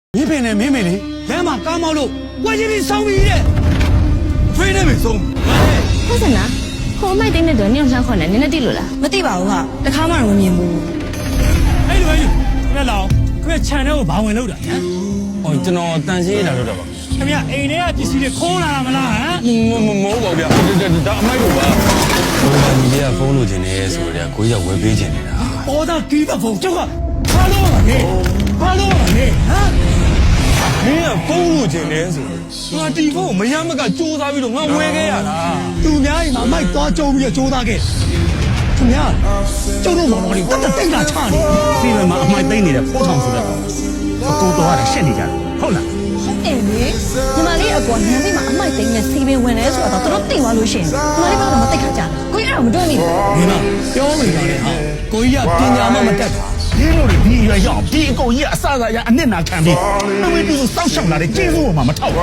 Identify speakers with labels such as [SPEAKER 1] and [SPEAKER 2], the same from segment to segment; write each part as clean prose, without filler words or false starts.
[SPEAKER 1] 你别呢，妹妹哩，来嘛，感冒了，我这边伤病的，非得没送。
[SPEAKER 2] ဟုတ်စနာဟိုမိုက်တဲ့တော့နင်းအောင်ခေါ်နေနင်းနဲ့တိလို့လား
[SPEAKER 3] မသိပါဘူးဟာတခါမှတော့မမြင်ဘူး
[SPEAKER 1] 哎，对，别老，别牵着我把我搂着。
[SPEAKER 4] 哦，ကျွန်တော်တန်ရှင်းလာတော့ပါ
[SPEAKER 1] 怎么样？哎，你啊，必须得空了没啦？啊？
[SPEAKER 4] မဟုတ်ပါဗျာဒါအမိုက်ကိုပါဟိုကညီလေးကဖုန်းလိုချင်တယ်ဆိုတော့ကိုကြီးကဝယ်ပေးချင်နေတာ
[SPEAKER 1] 我到地方风，这个哈喽你，哈喽你，啊？
[SPEAKER 4] မင်းကဖုန်းလိုချင်တယ်ဆိုငါဒီဖုန်းကိုမရမကစူးစမ်းပြီးတော့ငါဝယ်ခဲ့ရတာ
[SPEAKER 1] သူများအိမ်မှာမိုက်သွားကြုံပြီးတော့ကြိုးစားခဲ့သူများကျုပ်တို့မောင်တော်လေးတက်တက်တိတ်လာချနေပြီးတော့မှအမိုက်သိမ့်နေတဲ့ဖိုးထောင်ဆိုတဲ့ကောင်ကိုတော်ရတယ်ရှက်နေကြတယ်ဟုတ်လား
[SPEAKER 3] ဟုတ်တယ်လေညီမလေးအကောနန်းလေးမှာအမိုက်သိမ်းနဲ့စီပင်ဝင်လဲဆိုတော့တို့သိသွားလို့ရှိရင်ညီမလေးကတော့မသိခါကြကိုကြီးအဲ့တော့မတွေ့မိဘူး
[SPEAKER 1] ဒီမှာပြောမိတာလေဟာကိုကြီးကပညာမှမတတ်တာ
[SPEAKER 5] ဒီလိုတွေဒီရွယ်ရောက်ဒီအကုန်ကြီးကအစအစရအနစ်နာခံပြီးအမေတူစောက်ရှောက်လာတဲ့ကျေးဇူးပေါ်မှာမထောက်ဘူး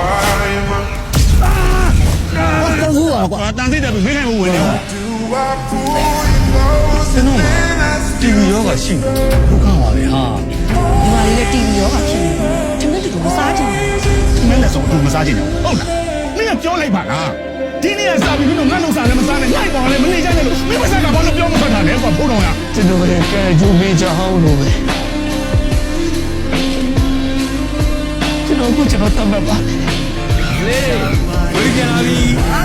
[SPEAKER 1] တော့ဘူးကွာ
[SPEAKER 5] တန်စိတ်တယ်မင်းနိုင်ဘူးဝင်နေ
[SPEAKER 4] ကျွန်တော်တီဗီရောကရှိတယ်
[SPEAKER 1] ဒုက္ခပါပဲဟာ
[SPEAKER 3] ညီမလေးလည်းတီဗီရောကဖြစ်နေတယ်တူတူမစားချင်ဘူး
[SPEAKER 5] မင်းလည်းဆုံးသူမစားချင်ဘူးဟုတ်လားမင်းကပြောလိုက်ပါလားဒီနေ့ကစားပြီးတော့ငါ့လုံစားလည်းမစားနဲ့လိုက်ပါလည်းမနေကြနဲ့လို့မင်းမစားကဘာလို့ပြောမထွက်တာလဲကွာဖိုးတော်ရ
[SPEAKER 4] ကျွန်တော်လည်းကဲဂျူမီချောင်းလို့ပဲကျွန်တော်တတ်မှတ်ပါလေဝေးကြလာပြီ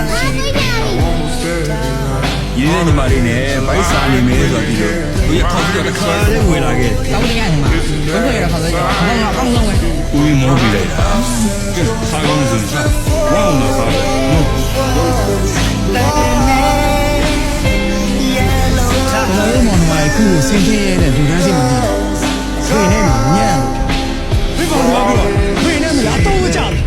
[SPEAKER 4] ရင်းနေညီမလေးနဲ့ဗိုက်စာနေမယ်ဆိုပြီးတော့ကိုရခေါက်ပြီးတော့တစ်ခါလေးဝေလာခဲ့
[SPEAKER 3] တောင်းတရညီမဘယ်လိုရခါလဲဘာမှအကောင်းဆုံးပဲ
[SPEAKER 4] ဦးမောပြီးလိုက်တာကဲစားကောင်းစင်စားဝေါတော့စားတယ်
[SPEAKER 1] ကျွန်တော်တို့မောင်နှမအခုစင်ပြေးရတဲ့လူတန်းစိတ်မကြည့်ဆွေနဲ့ညံ့ဒီကောင်ကပြောဆွေနဲ့မလားတော့ကြတယ်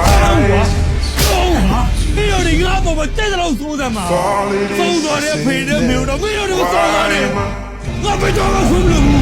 [SPEAKER 1] မင်းတို့ဒီငါ့ဘောမှာတက်တဲ့လောက်စိုးစမ်းမှာသုံးတော်တဲ့ဖေနဲ့မေတို့မင်းတို့ကစိုးစားတယ်ငါဘယ်တော့မှဆုံးလို့